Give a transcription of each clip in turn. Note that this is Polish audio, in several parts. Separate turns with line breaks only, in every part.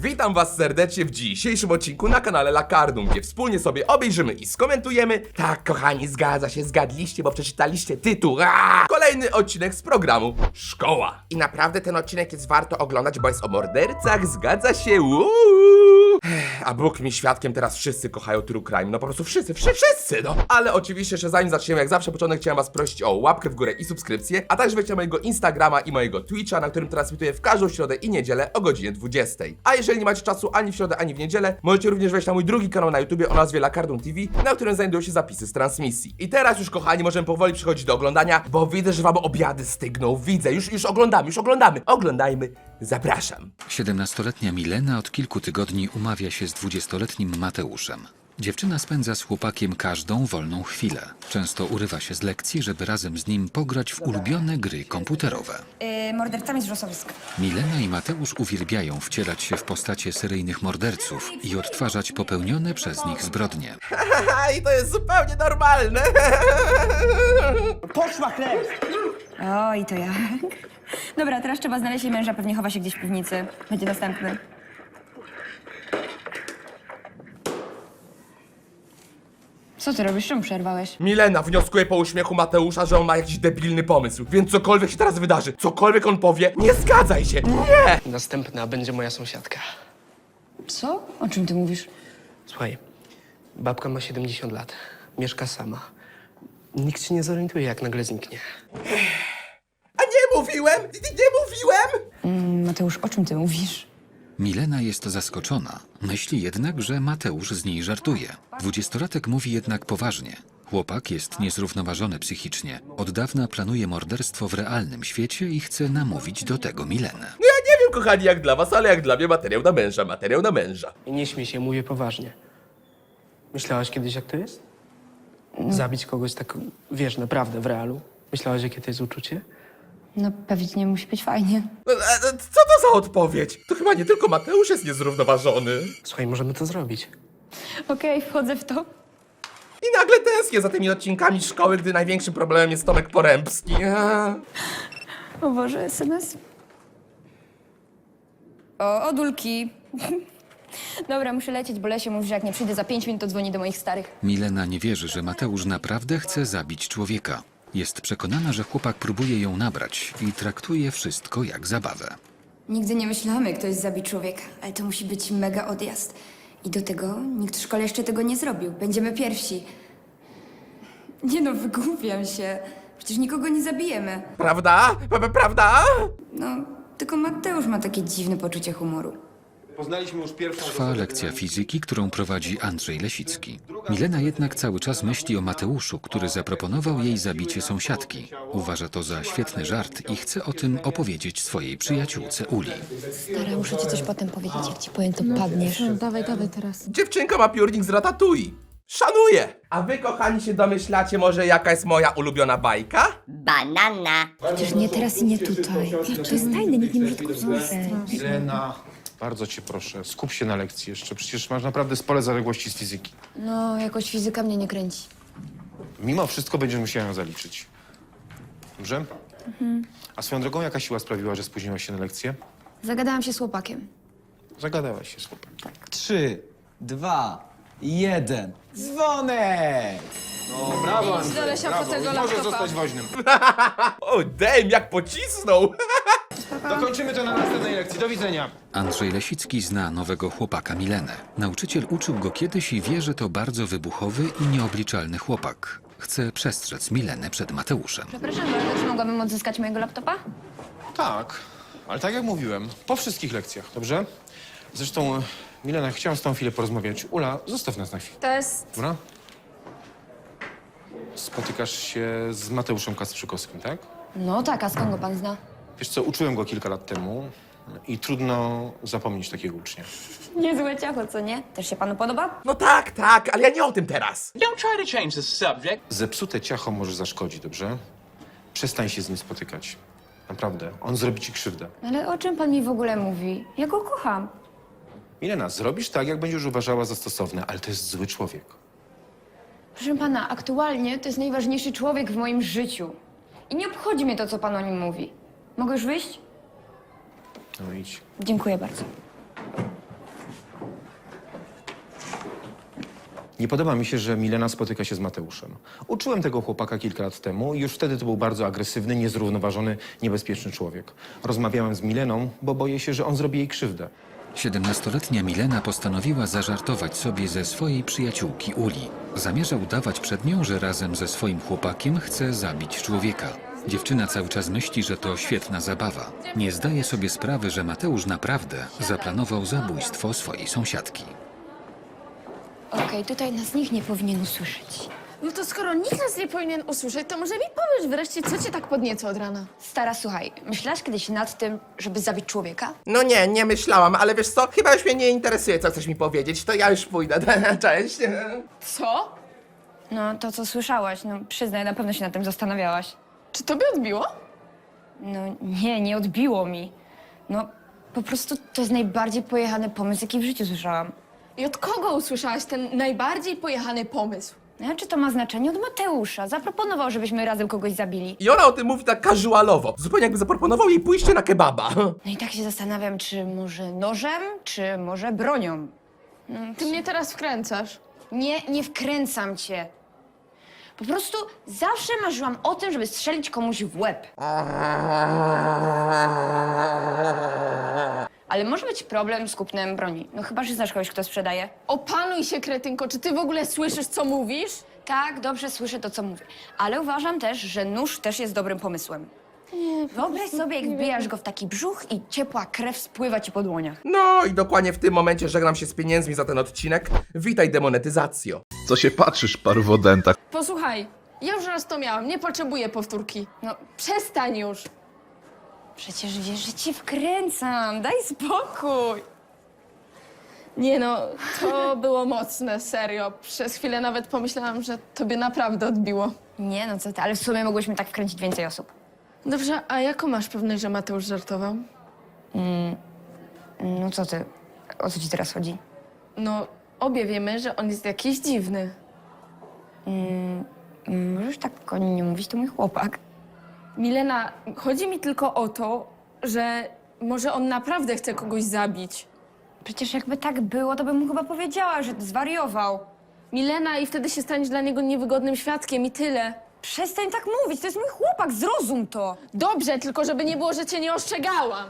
Witam was serdecznie w dzisiejszym odcinku na kanale Lakardum, gdzie wspólnie sobie obejrzymy i skomentujemy. Tak, kochani, zgadza się, zgadliście, bo przeczytaliście tytuł. Kolejny odcinek z programu Szkoła. I naprawdę ten odcinek jest warto oglądać, bo jest o mordercach, zgadza się. A Bóg mi świadkiem, teraz wszyscy kochają True Crime, no po prostu wszyscy, no. Ale oczywiście, że zanim zaczniemy, jak zawsze początek, chciałem was prosić o łapkę w górę i subskrypcję, a także wejdźcie na mojego Instagrama i mojego Twitcha, na którym transmituję w każdą środę i niedzielę o godzinie 20. A jeżeli nie macie czasu ani w środę, ani w niedzielę, możecie również wejść na mój drugi kanał na YouTubie o nazwie Lakardum TV, na którym znajdują się zapisy z transmisji. I teraz już, kochani, możemy powoli przechodzić do oglądania, bo widzę, że wam obiady stygną, widzę, już oglądamy. Oglądajmy, zapraszam.
17-letnia Milena od kilku tygodni umawia się z 20-letnim Mateuszem. Dziewczyna spędza z chłopakiem każdą wolną chwilę. Często urywa się z lekcji, żeby razem z nim pograć w ulubione gry komputerowe.
Mordercami z Rosowisk.
Milena i Mateusz uwielbiają wcielać się w postacie seryjnych morderców i odtwarzać popełnione przez nich zbrodnie.
I to jest zupełnie normalne.
Poszła chleb!
O, i to jak? Dobra, teraz trzeba znaleźć jej męża, pewnie chowa się gdzieś w piwnicy. Będzie następny. Co ty robisz? Czemu przerwałeś?
Milena wnioskuje po uśmiechu Mateusza, że on ma jakiś debilny pomysł, więc cokolwiek się teraz wydarzy, cokolwiek on powie, nie zgadzaj się, nie!
Następna będzie moja sąsiadka.
Co? O czym ty mówisz?
Słuchaj, babka ma 70 lat. Mieszka sama. Nikt się nie zorientuje, jak nagle zniknie.
A nie mówiłem! Nie mówiłem!
Mateusz, o czym ty mówisz?
Milena jest zaskoczona. Myśli jednak, że Mateusz z niej żartuje. 20-latek mówi jednak poważnie. Chłopak jest niezrównoważony psychicznie. Od dawna planuje morderstwo w realnym świecie i chce namówić do tego Milenę.
No ja nie wiem, kochani, jak dla was, ale jak dla mnie materiał na męża.
I nie śmiej się, mówię poważnie. Myślałaś kiedyś, jak to jest? Zabić kogoś tak, wiesz, naprawdę, w realu? Myślałaś, jakie to jest uczucie?
No pewnie musi być fajnie.
Co to za odpowiedź? To chyba nie tylko Mateusz jest niezrównoważony.
Słuchaj, możemy to zrobić.
Okej, wchodzę w to.
I nagle tęsknię za tymi odcinkami szkoły, gdy największym problemem jest Tomek Porębski.
O Boże, SMS. O, Odulki. Dobra, muszę lecieć, bo Lesie mówi, że jak nie przyjdę za 5 minut, to dzwoni do moich starych.
Milena nie wierzy, że Mateusz naprawdę chce zabić człowieka. Jest przekonana, że chłopak próbuje ją nabrać i traktuje wszystko jak zabawę.
Nigdy nie myślałam, jak ktoś zabi człowieka, ale to musi być mega odjazd. I do tego nikt w szkole jeszcze tego nie zrobił. Będziemy pierwsi. Nie no, wygłupiam się. Przecież nikogo nie zabijemy.
Prawda? Prawda?
No, tylko Mateusz ma takie dziwne poczucie humoru.
Poznaliśmy już pierwszą...
Trwa lekcja fizyki, którą prowadzi Andrzej Lesicki. Milena jednak cały czas myśli o Mateuszu, który zaproponował jej zabicie sąsiadki. Uważa to za świetny żart i chce o tym opowiedzieć swojej przyjaciółce Uli.
Stara, muszę ci coś potem powiedzieć, jak ci powiem, to padniesz.
No, dawaj teraz.
Dziewczynka ma piórnik z Ratatouille. Szanuję! A wy, kochani, się domyślacie może, jaka jest moja ulubiona bajka?
Banana. Przecież nie teraz i nie tutaj. To jest tajne, nikt nie może tego zobaczyć.
Milena, bardzo cię proszę, skup się na lekcji jeszcze. Przecież masz naprawdę spore zaległości z fizyki.
No, jakoś fizyka mnie nie kręci.
Mimo wszystko będziesz musiała ją zaliczyć. Dobrze? A swoją drogą, jaka siła sprawiła, że spóźniłaś się na lekcję?
Zagadałam się z chłopakiem.
Zagadałaś się z chłopakiem.
3, 2, 1. Dzwonek!
No, brawo, Andrzej,
Lesia po
brawo.
tego
I może
laptopa.
zostać woźnym.
O, damn, jak pocisnął!
Dokończymy to na następnej lekcji. Do widzenia.
Andrzej Lesicki zna nowego chłopaka Milenę. Nauczyciel uczył go kiedyś i wie, że to bardzo wybuchowy i nieobliczalny chłopak. Chce przestrzec Milenę przed Mateuszem.
Przepraszam bardzo, czy mogłabym odzyskać mojego laptopa?
Tak, ale tak jak mówiłem, po wszystkich lekcjach, dobrze? Zresztą, Milena, chciałam z tą chwilę porozmawiać. Ula, zostaw nas na chwilę.
To jest...
Dobra? Spotykasz się z Mateuszem Kastrzykowskim, tak?
No tak, a skąd go pan zna?
Wiesz co, uczyłem go kilka lat temu i trudno zapomnieć takiego ucznia.
Niezłe ciacho, co nie? Też się panu podoba?
No tak, ale ja nie o tym teraz.
Don't try to change the subject.
Zepsute ciacho może zaszkodzić, dobrze? Przestań się z nim spotykać. Naprawdę, on zrobi ci krzywdę.
Ale o czym pan mi w ogóle mówi? Ja go kocham.
Milena, zrobisz tak, jak będziesz uważała za stosowne, ale to jest zły człowiek.
Proszę pana, aktualnie to jest najważniejszy człowiek w moim życiu. I nie obchodzi mnie to, co pan o nim mówi. Mogę już wyjść?
No idź.
Dziękuję bardzo.
Nie podoba mi się, że Milena spotyka się z Mateuszem. Uczyłem tego chłopaka kilka lat temu i już wtedy to był bardzo agresywny, niezrównoważony, niebezpieczny człowiek. Rozmawiałem z Mileną, bo boję się, że on zrobi jej krzywdę.
17-letnia Milena postanowiła zażartować sobie ze swojej przyjaciółki Uli. Zamierza udawać przed nią, że razem ze swoim chłopakiem chce zabić człowieka. Dziewczyna cały czas myśli, że to świetna zabawa. Nie zdaje sobie sprawy, że Mateusz naprawdę zaplanował zabójstwo swojej sąsiadki.
Okej, tutaj nas nikt nie powinien usłyszeć.
No to skoro nikt nas nie powinien usłyszeć, to może mi powiesz wreszcie, co cię tak podnieca od rana?
Stara, słuchaj, myślałaś kiedyś nad tym, żeby zabić człowieka?
No nie, nie myślałam, ale wiesz co? Chyba już mnie nie interesuje, co chcesz mi powiedzieć, to ja już pójdę. Cześć.
Co?
No, to co słyszałaś, no przyznaj, na pewno się nad tym zastanawiałaś.
Czy tobie odbiło?
No nie, nie odbiło mi. No, po prostu to jest najbardziej pojechany pomysł, jaki w życiu słyszałam.
I od kogo usłyszałaś ten najbardziej pojechany pomysł?
No, czy to ma znaczenie? Od Mateusza. Zaproponował, żebyśmy razem kogoś zabili.
I ona o tym mówi tak casualowo, zupełnie jakby zaproponował jej pójście na kebaba.
No i tak się zastanawiam, czy może nożem, czy może bronią.
Ty mnie teraz wkręcasz.
Nie, nie wkręcam cię. Po prostu zawsze marzyłam o tym, żeby strzelić komuś w łeb. Ale może być problem z kupnem broni. No chyba, że znasz kogoś, kto sprzedaje.
Opanuj się, kretynko, czy ty w ogóle słyszysz, co mówisz?
Tak, dobrze słyszę to, co mówię. Ale uważam też, że nóż też jest dobrym pomysłem. Wyobraź sobie, jak wbijasz go w taki brzuch i ciepła krew spływa ci po dłoniach.
No i dokładnie w tym momencie żegnam się z pieniędzmi za ten odcinek. Witaj demonetyzacjo.
Co się patrzysz, parwodenta?
Posłuchaj, ja już raz to miałam, nie potrzebuję powtórki.
No,
Przestań już.
przecież wiesz, że cię wkręcam. Daj spokój.
Nie no, to było mocne, serio. Przez chwilę nawet pomyślałam, że tobie naprawdę odbiło.
Nie, no co ty, ale w sumie mogłyśmy tak wkręcić więcej osób.
Dobrze, a jaką masz pewność, że Mateusz żartował?
No co ty, o co ci teraz chodzi?
No, obie wiemy, że on jest jakiś dziwny.
Możesz tak o nim nie mówić, to mój chłopak.
Milena, chodzi mi tylko o to, że może on naprawdę chce kogoś zabić.
Przecież jakby tak było, to bym mu chyba powiedziała, że zwariował.
Milena, i wtedy się staniesz dla niego niewygodnym świadkiem i tyle.
Przestań tak mówić, to jest mój chłopak, zrozum to.
Dobrze, tylko żeby nie było, że cię nie ostrzegałam.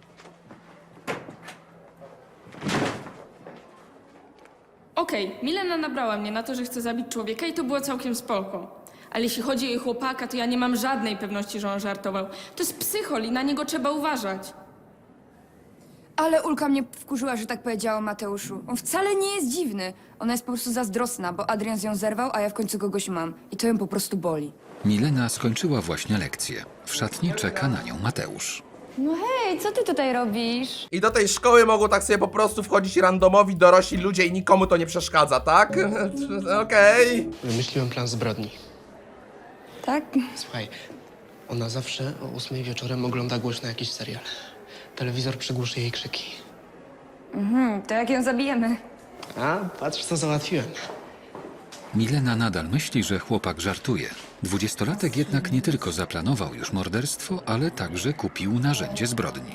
Okej, Milena nabrała mnie na to, że chce zabić człowieka i to było całkiem spoko. Ale jeśli chodzi o jej chłopaka, to ja nie mam żadnej pewności, że on żartował. To jest psychol i na niego trzeba uważać.
Ale Ulka mnie wkurzyła, że tak powiedziała o Mateuszu. On wcale nie jest dziwny. Ona jest po prostu zazdrosna, bo Adrian z nią zerwał, a ja w końcu kogoś mam. I to ją po prostu boli.
Milena skończyła właśnie lekcję. W szatni czeka na nią Mateusz.
No hej, co ty tutaj robisz?
I do tej szkoły mogą tak sobie po prostu wchodzić randomowi dorośli ludzie i nikomu to nie przeszkadza, tak? Okej.
Wymyśliłem plan zbrodni.
Tak?
Słuchaj, ona zawsze o 8 wieczorem ogląda głośno jakiś serial. Telewizor przygłuszy jej krzyki.
To jak ją zabijemy?
A, patrz co załatwiłem.
Milena nadal myśli, że chłopak żartuje. 20-latek jednak nie tylko zaplanował już morderstwo, ale także kupił narzędzie zbrodni.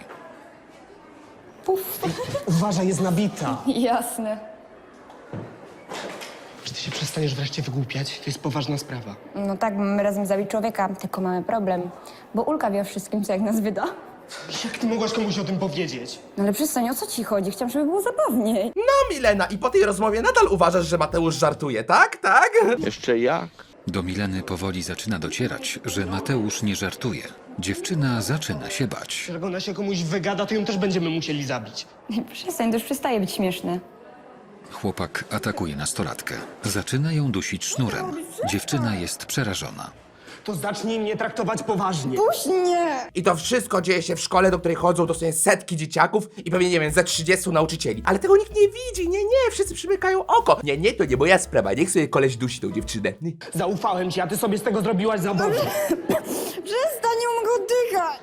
Uważaj, jest nabita.
Jasne.
Czy ty się przestaniesz wreszcie wygłupiać? To jest poważna sprawa.
No tak, mamy razem zabić człowieka, tylko mamy problem. Bo Ulka wie o wszystkim, co jak nas wyda.
Jak ty mogłaś komuś o tym powiedzieć?
No ale przestań, o co ci chodzi? Chciałam, żeby było zabawniej.
No Milena, i po tej rozmowie nadal uważasz, że Mateusz żartuje, tak? Tak?
Jeszcze jak?
Do Mileny powoli zaczyna docierać, że Mateusz nie żartuje. Dziewczyna zaczyna się bać.
Jak ona się komuś wygada, to ją też będziemy musieli zabić.
Przestań, to już przestaje być śmieszne.
Chłopak atakuje nastolatkę. Zaczyna ją dusić sznurem. Dziewczyna jest przerażona.
To zacznij mnie traktować poważnie.
Puść mnie!
I to wszystko dzieje się w szkole, do której chodzą dosłownie setki dzieciaków i pewnie, nie wiem, ze 30 nauczycieli. Ale tego nikt nie widzi, nie, wszyscy przymykają oko. Nie, to nie moja sprawa, niech sobie koleś dusi tą dziewczynę.
Zaufałem ci, a ty sobie z tego zrobiłaś zabawę.
Przestań, nie mogę oddychać!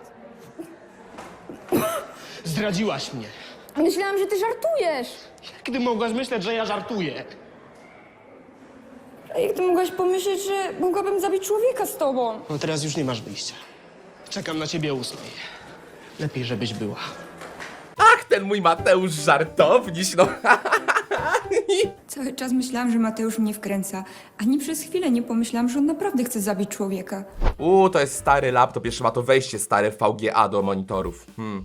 Zdradziłaś mnie.
Myślałam, że ty żartujesz.
Jak ty mogłaś myśleć, że ja żartuję?
A jak ty mogłaś pomyśleć, że mogłabym zabić człowieka z tobą?
No teraz już nie masz wyjścia. Czekam na ciebie o 8. Lepiej, żebyś była.
Ach, ten mój Mateusz żartowniś, no.
Cały czas myślałam, że Mateusz mnie wkręca. Ani przez chwilę nie pomyślałam, że on naprawdę chce zabić człowieka.
To jest stary laptop, jeszcze ma to wejście stare VGA do monitorów.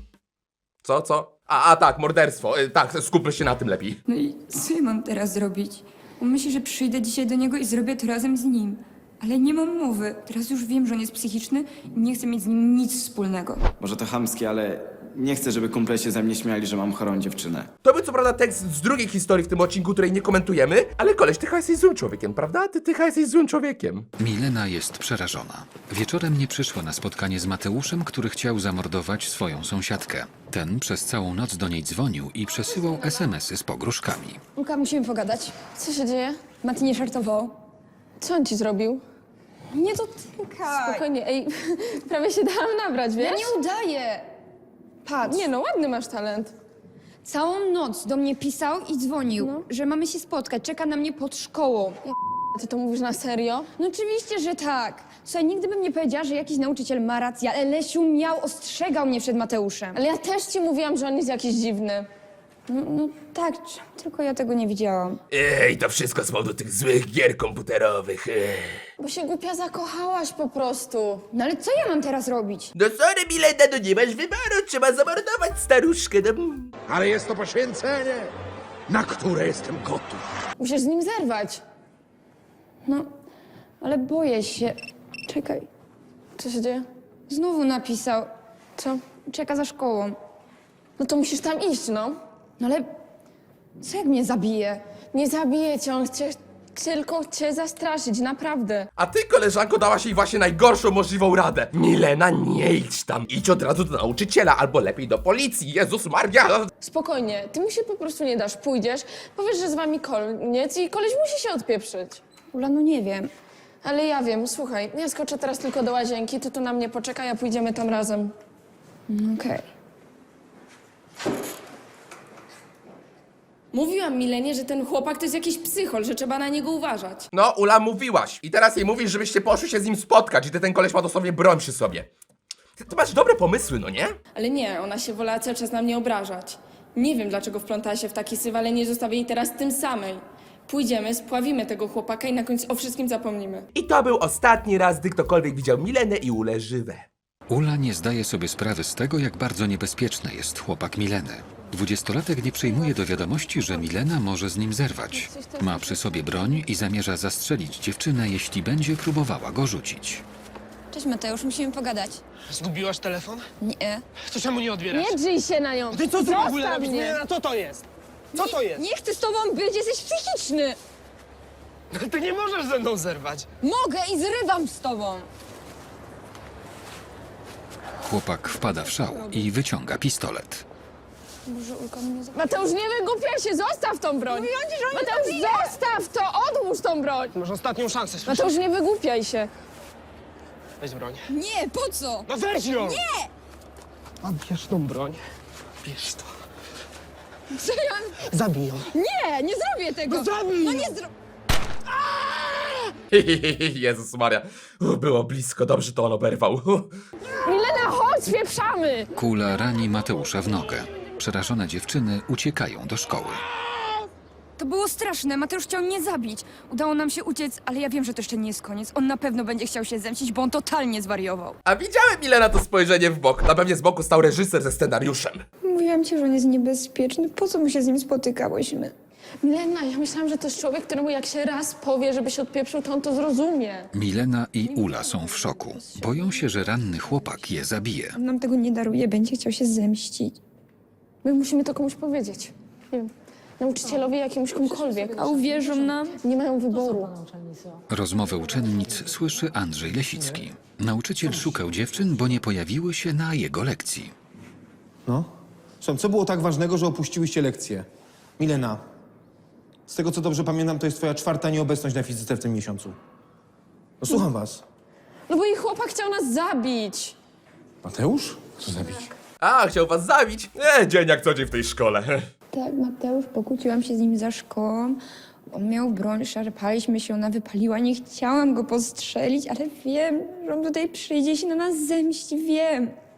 Co? Tak, morderstwo. Tak, skupmy się na tym lepiej.
No i co ja mam teraz zrobić? On myśli, że przyjdę dzisiaj do niego i zrobię to razem z nim. Ale nie mam mowy. Teraz już wiem, że on jest psychiczny i nie chcę mieć z nim nic wspólnego.
Może to chamskie, ale nie chcę, żeby kumple się ze mnie śmiali, że mam chorą dziewczynę.
To był co prawda tekst z drugiej historii w tym odcinku, której nie komentujemy, ale koleś, ty chyba jesteś złym człowiekiem, prawda? Ty chyba jesteś złym człowiekiem.
Milena jest przerażona. Wieczorem nie przyszła na spotkanie z Mateuszem, który chciał zamordować swoją sąsiadkę. Ten przez całą noc do niej dzwonił i przesyłał SMS-y z pogróżkami.
Ulka, musimy pogadać.
Co się dzieje?
Mati nie żartował.
Co on ci zrobił?
Nie dotykaj!
Spokojnie, ej, prawie się dałam nabrać, wiesz?
Ja nie udaję! Patrz.
Nie no, ładny masz talent.
Całą noc do mnie pisał i dzwonił, że mamy się spotkać. Czeka na mnie pod szkołą.
Ty to mówisz na serio?
No oczywiście, że tak. Słuchaj, nigdy bym nie powiedziała, że jakiś nauczyciel ma rację, ale Lesiu ostrzegał mnie przed Mateuszem.
Ale ja też ci mówiłam, że on jest jakiś dziwny.
No tak, tylko ja tego nie widziałam.
To wszystko z powodu tych złych gier komputerowych.
Bo się głupia zakochałaś po prostu.
No ale co ja mam teraz robić?
No sorry, Milena, no nie masz wyboru, trzeba zamordować staruszkę, no.
Ale jest to poświęcenie, na które jestem gotów.
Musisz z nim zerwać.
No, ale boję się. Czekaj,
Co się dzieje?
znowu napisał.
Co?
Czeka za szkołą.
No to musisz tam iść, no.
No ale co jak mnie zabije?
Nie zabije cię, on chce tylko cię zastraszyć, naprawdę.
A ty, koleżanko, dałaś jej właśnie najgorszą możliwą radę. Milena, nie idź tam. Idź od razu do nauczyciela, albo lepiej do policji. Jezus Maria.
Spokojnie, ty mu się po prostu nie dasz, pójdziesz, powiesz, że z wami koniec i koleś musi się odpieprzyć.
Ula, no nie wiem.
Ale ja wiem, słuchaj, ja skoczę teraz tylko do łazienki, ty tu na mnie poczekaj, a pójdziemy tam razem.
Okej.
Mówiłam Milenie, że ten chłopak to jest jakiś psychol, że trzeba na niego uważać.
No, Ula, mówiłaś. I teraz jej mówisz, żebyście poszli się z nim spotkać i ten koleś ma dosłownie broń przy sobie. Ty masz dobre pomysły, no nie?
Ale nie, ona się wolała cały czas na mnie obrażać. Nie wiem, dlaczego wplątała się w taki syf, ale nie zostawię jej teraz tym samej. Pójdziemy, spławimy tego chłopaka i na końcu o wszystkim zapomnimy.
I to był ostatni raz, gdy ktokolwiek widział Milenę i Ulę żywe.
Ula nie zdaje sobie sprawy z tego, jak bardzo niebezpieczny jest chłopak Mileny. 20-latek nie przyjmuje do wiadomości, że Milena może z nim zerwać. Ma przy sobie broń i zamierza zastrzelić dziewczynę, jeśli będzie próbowała go rzucić.
Cześć Mateusz, musimy pogadać.
Zgubiłaś telefon?
Nie.
To czemu nie odbierasz?
Nie drzyj się na nią!
Ty co tu w ogóle
Zostaw
robisz?
mnie.
Nie, co to jest? Co to jest?
Nie chcę z tobą być, jesteś psychiczny!
Ty nie możesz ze mną zerwać.
Mogę i zrywam z tobą!
Chłopak wpada w szał i wyciąga pistolet.
Mateusz, nie wygłupiaj się, zostaw tą broń! Mateusz, zostaw to, odłóż tą broń!
Masz ostatnią szansę, słyszysz?
Mateusz, nie wygłupiaj się.
Weź broń.
Nie, po co?
No weź ją! Nie! A bierz tą broń. Bierz to.
Co ja...
Zabij ją.
Nie, nie zrobię tego!
No zabij
No
ją.
nie zro...
Jezus Maria. Było blisko, dobrze to on oberwał.
Milena, chodź, spieprzamy!
Kula rani Mateusza w nogę. Przerażone dziewczyny uciekają do szkoły.
To było straszne, Mateusz chciał mnie zabić. Udało nam się uciec, ale ja wiem, że to jeszcze nie jest koniec. On na pewno będzie chciał się zemścić, bo on totalnie zwariował.
A widziałem Milena to spojrzenie w bok. Na pewnie z boku stał reżyser ze scenariuszem.
Mówiłam ci, że on jest niebezpieczny. Po co my się z nim spotykałyśmy?
Milena, ja myślałam, że to jest człowiek, któremu jak się raz powie, żeby się odpieprzył, to on to zrozumie.
Milena i Ula są w szoku. Boją się, że ranny chłopak je zabije.
On nam tego nie daruje, będzie chciał się zemścić.
My musimy to komuś powiedzieć. Nie wiem, nauczycielowi, jakiemuś komukolwiek.
A uwierzą nam?
Nie mają wyboru.
Rozmowę uczennic słyszy Andrzej Lesicki. Nauczyciel szukał dziewczyn, bo nie pojawiły się na jego lekcji.
No? Słucham, co było tak ważnego, że opuściłyście lekcję? Milena, z tego co dobrze pamiętam, to jest twoja 4. nieobecność na fizyce w tym miesiącu. No słucham was.
No bo jej chłopak chciał nas zabić.
Mateusz? Co zabić?
A, chciał was zabić? Dzień jak co dzień w tej szkole.
Tak, Mateusz, pokłóciłam się z nim za szkołą. On miał broń, szarpaliśmy się, ona wypaliła. Nie chciałam go postrzelić, ale wiem, że on tutaj przyjdzie i się na nas zemści, wiem.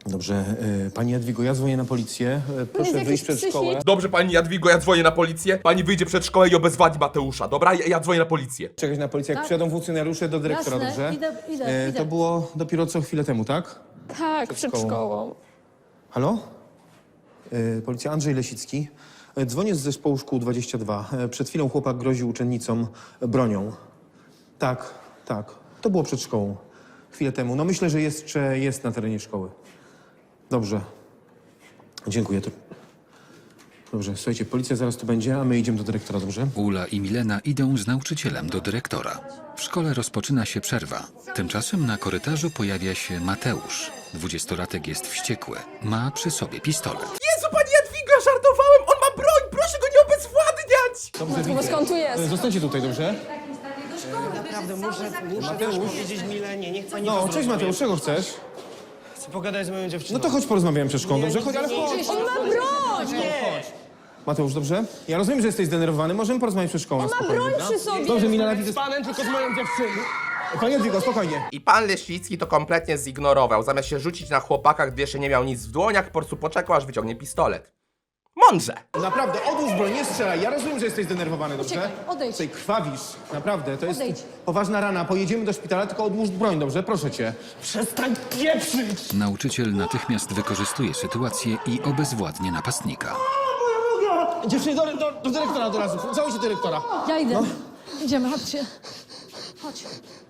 Dobrze, pani Jadwigo, ja dzwonię na policję. Proszę wyjść przed szkołę.
Dobrze, pani Jadwigo, ja dzwonię na policję. Pani wyjdzie przed szkołę i obezwładzi Mateusza, dobra? Ja dzwonię na policję.
Czekać na policję, jak przyjadą funkcjonariusze do dyrektora, dobrze?
Idę.
To było dopiero co chwilę temu, tak?
Tak, przed szkołą.
Halo? Policja, Andrzej Lesicki. Dzwonię z zespołu szkół 22. Przed chwilą chłopak groził uczennicom bronią. Tak. To było przed szkołą. Chwilę temu. No myślę, że jeszcze jest na terenie szkoły. Dobrze. Dziękuję. Dobrze, słuchajcie, policja zaraz tu będzie, a my idziemy do dyrektora, dobrze?
Ula i Milena idą z nauczycielem do dyrektora. W szkole rozpoczyna się przerwa. Tymczasem na korytarzu pojawia się Mateusz. 20-latek jest wściekły. Ma przy sobie pistolet.
Jezu, pani Jadwigo, ja żartowałem! On ma broń! Proszę go nie obezwładniać!
Dobrze,
Bo skąd tu jest?
Zostańcie tutaj, dobrze?
Naprawdę, muszę powiedzieć Milenie, niech pani
No, cześć Mateusz, czego chcesz?
Chcę pogadać z moją dziewczyną.
No to chodź porozmawiamy przed szkołą, dobrze? Chodź, ale chodź!
On ma broń!
Mateusz, dobrze? Ja rozumiem, że jesteś zdenerwowany, możemy porozmawiać przed szkołą.
On ma
spokojnie,
broń
dobra?
przy sobie!
Dobrze, Milena, widzę...
Z panem, tylko z moją dziewczyną.
Pani Jadwigo, spokojnie.
I pan Lesicki to kompletnie zignorował. Zamiast się rzucić na chłopaka, gdy jeszcze nie miał nic w dłoniach, po prostu poczekał, aż wyciągnie pistolet. Mądrze!
Naprawdę, odłóż broń, nie strzelaj. Ja rozumiem, że jesteś zdenerwowany, dobrze?
Uciekaj, odejdź.
Tutaj krwawisz, naprawdę. To jest
Odejdź.
poważna rana. Pojedziemy do szpitala, tylko odłóż broń, dobrze? Proszę cię.
Przestań pieprzyć!
Nauczyciel natychmiast wykorzystuje sytuację i obezwładnia napastnika.
Dziewczyny, do dyrektora od razu. Załóżcie dyrektora.
Ja idę. Idziemy, chodźcie. Chodź.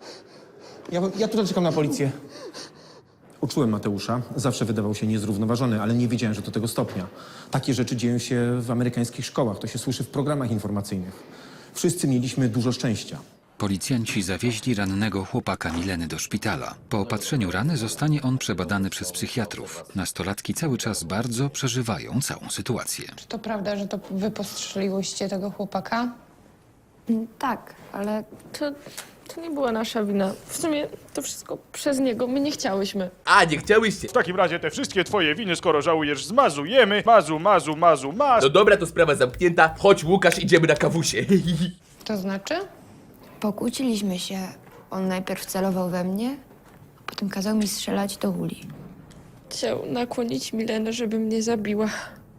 Ja tutaj czekam na policję. Uczułem Mateusza. Zawsze wydawał się niezrównoważony, ale nie wiedziałem, że do tego stopnia. Takie rzeczy dzieją się w amerykańskich szkołach. To się słyszy w programach informacyjnych. Wszyscy mieliśmy dużo szczęścia.
Policjanci zawieźli rannego chłopaka Mileny do szpitala. Po opatrzeniu rany zostanie on przebadany przez psychiatrów. Nastolatki cały czas bardzo przeżywają całą sytuację.
Czy to prawda, że to wy postrzeliłyście tego chłopaka?
Tak, ale
To nie była nasza wina. W sumie to wszystko przez niego. My nie chciałyśmy.
A, nie chciałyście.
W takim razie te wszystkie twoje winy, skoro żałujesz, zmazujemy. Mazu.
No dobra, to sprawa zamknięta. Chodź, Łukasz, idziemy na kawusie.
To znaczy?
pokłóciliśmy się. On najpierw celował we mnie, a potem kazał mi strzelać do Uli.
Chciał nakłonić Milenę, żeby mnie zabiła.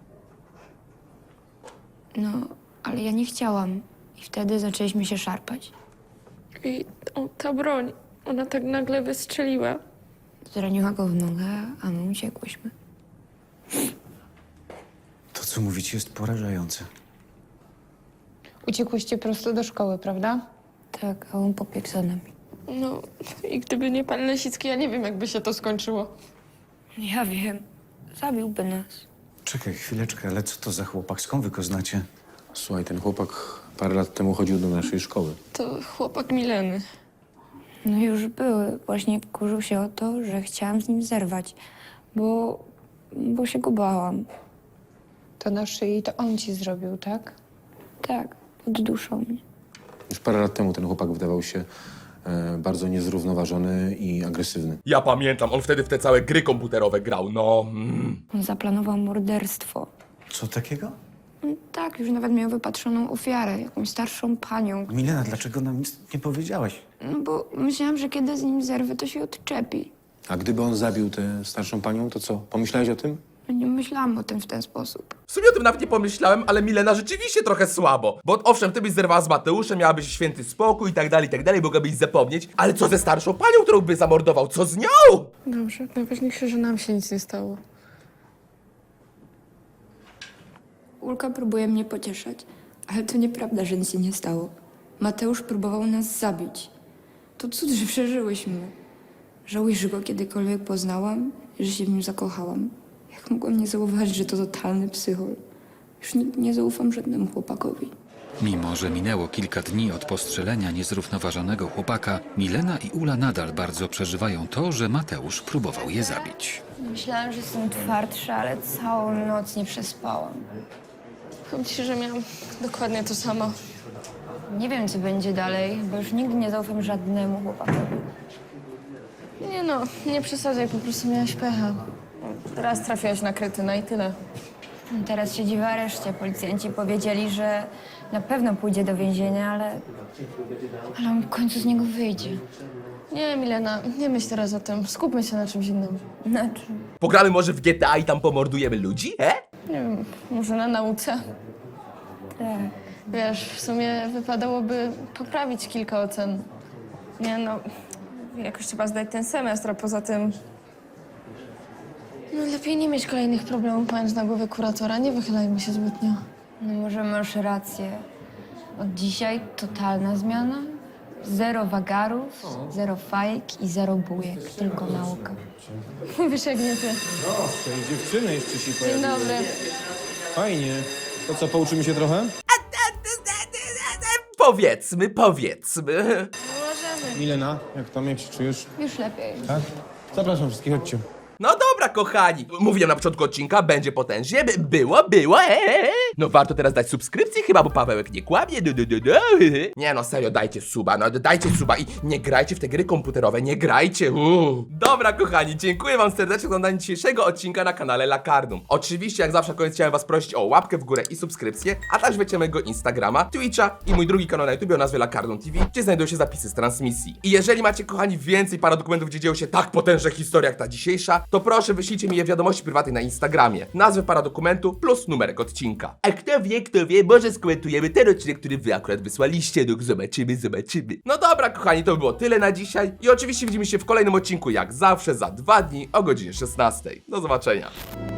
No, ale ja nie chciałam. I wtedy zaczęliśmy się szarpać.
I ta broń, ona tak nagle wystrzeliła.
Zraniła go w nogę, a my uciekłyśmy.
To, co mówicie, jest porażające.
Uciekłyście prosto do szkoły, prawda?
Tak, a on pobiegł za nami.
No i gdyby nie pan Lesicki, ja nie wiem, jakby się to skończyło.
Ja wiem. Zabiłby nas.
Czekaj chwileczkę, ale co to za chłopak? Skąd wy go znacie?
Słuchaj, ten chłopak parę lat temu chodził do naszej szkoły.
To chłopak Mileny.
No już były. Właśnie wkurzył się o to, że chciałam z nim zerwać, bo się go bałam.
To na szyi to on ci zrobił, tak?
Tak, podduszał mnie.
Już parę lat temu ten chłopak wydawał się bardzo niezrównoważony i agresywny.
Ja pamiętam, on wtedy w te całe gry komputerowe grał, no.
On zaplanował morderstwo.
Co takiego?
Tak, już nawet miał wypatrzoną ofiarę, jakąś starszą panią.
Milena, dlaczego nam nic nie powiedziałaś?
No bo myślałam, że kiedy z nim zerwę, to się odczepi.
A gdyby on zabił tę starszą panią, to co? Pomyślałeś o tym?
Nie myślałam o tym w ten sposób.
W sumie o tym nawet nie pomyślałem, ale Milena rzeczywiście trochę słabo. Bo owszem, ty byś zerwała z Mateuszem, miałabyś święty spokój i tak dalej, mogłabyś zapomnieć. Ale co ze starszą panią, którą by zamordował? Co z nią?
Dobrze, najważniejsze, że nam się nic nie stało.
Ulka próbuje mnie pocieszać, ale to nieprawda, że nic się nie stało. Mateusz próbował nas zabić. To cud, że przeżyłyśmy. Żałuję, że go kiedykolwiek poznałam i że się w nim zakochałam. Jak mogłam nie zauważyć, że to totalny psychol. Już nigdy nie zaufam żadnemu chłopakowi.
Mimo że minęło kilka dni od postrzelenia niezrównoważonego chłopaka, Milena i Ula nadal bardzo przeżywają to, że Mateusz próbował je zabić.
Myślałam, że jestem twardsza, ale całą noc nie przespałam.
Powiem ci, że miałam dokładnie to samo.
Nie wiem, co będzie dalej, bo już nigdy nie zaufam żadnemu chłopakowi.
Nie no, nie przesadzaj, po prostu miałaś pecha. Raz trafiłaś na kretyna i tyle.
Teraz siedzi w areszcie. Policjanci powiedzieli, że na pewno pójdzie do więzienia, ale on w końcu z niego wyjdzie.
Nie, Milena, nie myśl teraz o tym. Skupmy się na czymś innym.
Na czym?
Pogramy może w GTA i tam pomordujemy ludzi,
Nie wiem, może na nauce.
Tak.
Wiesz, w sumie wypadałoby poprawić kilka ocen.
Nie no, jakoś trzeba zdać ten semestr, a poza tym...
No lepiej nie mieć kolejnych problemów mając na głowie kuratora, nie wychylajmy się zbytnio.
No może masz rację. Od dzisiaj totalna zmiana. Zero wagarów, zero fajek i zero bujek. Tylko nauka.
Mówisz jak nie ty.
Proszę, i dziewczyny jeszcze się
Dzień dobry.
Fajnie. To co, pouczymy się trochę?
Powiedzmy.
Możemy.
Milena, jak tam, jak się czujesz?
Już lepiej.
Tak? Zapraszam wszystkich, chodźcie.
No dobra, kochani. Mówiłem na początku odcinka, będzie potężnie. Było. No warto teraz dać subskrypcję chyba, bo Pawełek nie kłamie. Nie no, serio, dajcie suba, no dajcie suba i nie grajcie w te gry komputerowe, nie grajcie. Dobra, kochani, dziękuję wam serdecznie za oglądanie dzisiejszego odcinka na kanale Lakardum. Oczywiście, jak zawsze na koniec chciałem was prosić o łapkę w górę i subskrypcję, a także wiecie mojego Instagrama, Twitcha i mój drugi kanał na YouTube o nazwie Lakardum TV, gdzie znajdują się zapisy z transmisji. I jeżeli macie, kochani, więcej paradokumentów, gdzie dzieją się tak potężne historie jak ta dzisiejsza, to proszę wyślijcie mi je w wiadomości prywatnej na Instagramie. Nazwę paradokumentu plus numerek odcinka. A kto wie, może skomentujemy ten odcinek, który wy akurat wysłaliście. No zobaczymy. No dobra, kochani, to by było tyle na dzisiaj. I oczywiście widzimy się w kolejnym odcinku, jak zawsze, za 2 dni o godzinie 16. Do zobaczenia.